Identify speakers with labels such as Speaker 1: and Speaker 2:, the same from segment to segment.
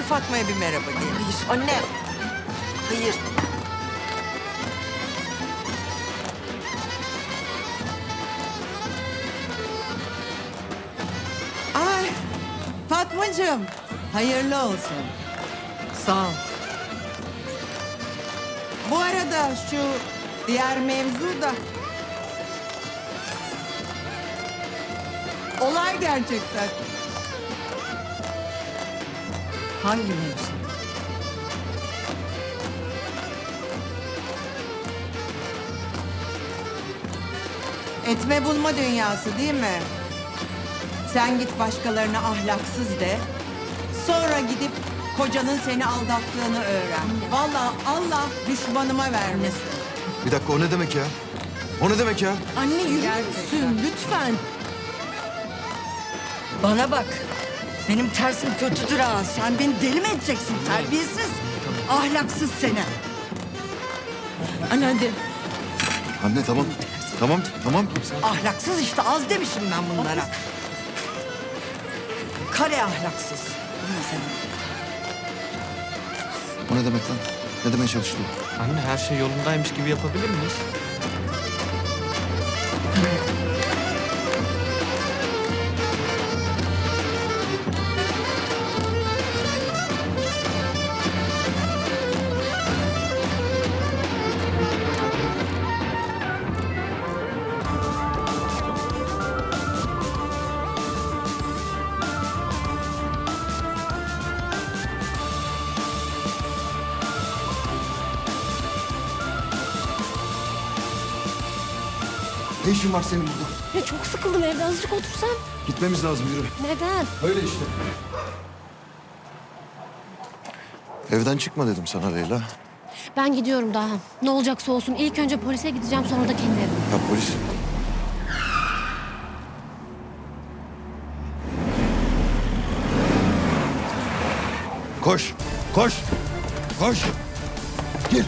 Speaker 1: Fatma'ya bir merhaba diyelim.
Speaker 2: Hayır anne. Hayır.
Speaker 3: Ay Fatmacığım, hayırlı olsun.
Speaker 1: Sağ ol.
Speaker 3: Bu arada şu diğer mevzu da... Olay gerçekten.
Speaker 1: Hangi mevzu?
Speaker 3: Etme bulma dünyası değil mi? Sen git başkalarına ahlaksız de. Sonra gidip kocanın seni aldattığını öğren. Vallahi Allah düşmanıma vermesin.
Speaker 4: Bir dakika, o ne demek ya? O ne demek ya?
Speaker 1: Anne yürür
Speaker 3: Gerçekten.
Speaker 1: müsün lütfen? Bana bak. Benim tersim kötüdür ha. Sen beni deli mi edeceksin terbiyesiz? Ahlaksız seni. Anne hadi.
Speaker 4: Anne tamam. Tamam, tamam.
Speaker 1: Ahlaksız işte az demişim ben bunlara. Kare ahlaksız.
Speaker 4: O ne demek lan? Ne demeye çalıştı?
Speaker 5: Anne her şey yolundaymış gibi yapabilir miyiz?
Speaker 4: Ne işin var senin burada?
Speaker 6: Ya çok sıkıldım evde azıcık otursam.
Speaker 4: Gitmemiz lazım, yürü.
Speaker 6: Neden?
Speaker 4: Öyle işte. Evden çıkma dedim sana Leyla.
Speaker 6: Ben gidiyorum daha. Ne olacaksa olsun. İlk önce polise gideceğim sonra da kendi evime.
Speaker 4: Ya polis. Koş, koş, koş. Gir.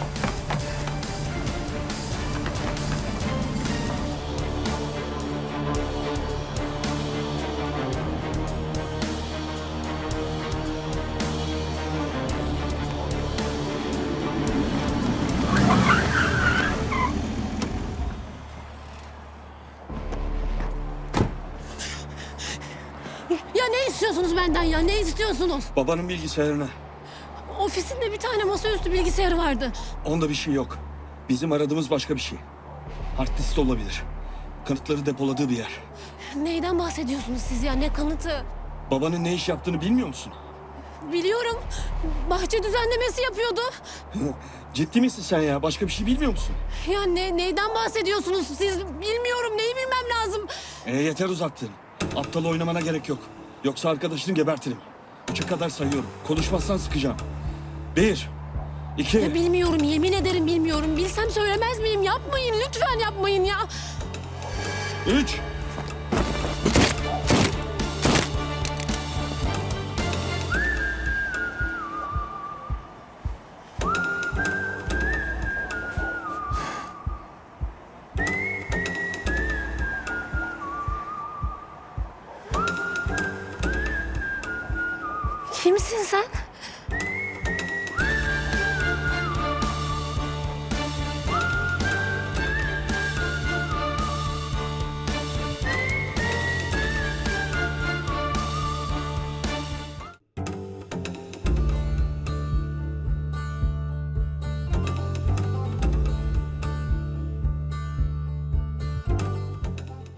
Speaker 6: Ya ne istiyorsunuz benden ya? Ne istiyorsunuz?
Speaker 7: Babanın bilgisayarına.
Speaker 6: Ofisinde bir tane masaüstü bilgisayarı vardı.
Speaker 7: Onda bir şey yok. Bizim aradığımız başka bir şey. Hard disk olabilir. Kanıtları depoladığı bir yer.
Speaker 6: Neyden bahsediyorsunuz siz ya? Ne kanıtı?
Speaker 7: Babanın ne iş yaptığını bilmiyor musun?
Speaker 6: Biliyorum. Bahçe düzenlemesi yapıyordu.
Speaker 7: Ciddi misin sen ya? Başka bir şey bilmiyor musun?
Speaker 6: Ya neyden bahsediyorsunuz siz? Bilmiyorum. Neyi bilmem lazım?
Speaker 7: Yeter uzattın. Aptal oynamana gerek yok. Yoksa arkadaşını gebertirim. 3'e kadar sayıyorum. Konuşmazsan sıkacağım. 1, 2...
Speaker 6: Ya bilmiyorum. Yemin ederim bilmiyorum. Bilsem söylemez miyim? Yapmayın. Lütfen yapmayın ya.
Speaker 7: 3.
Speaker 6: Kimsin sen?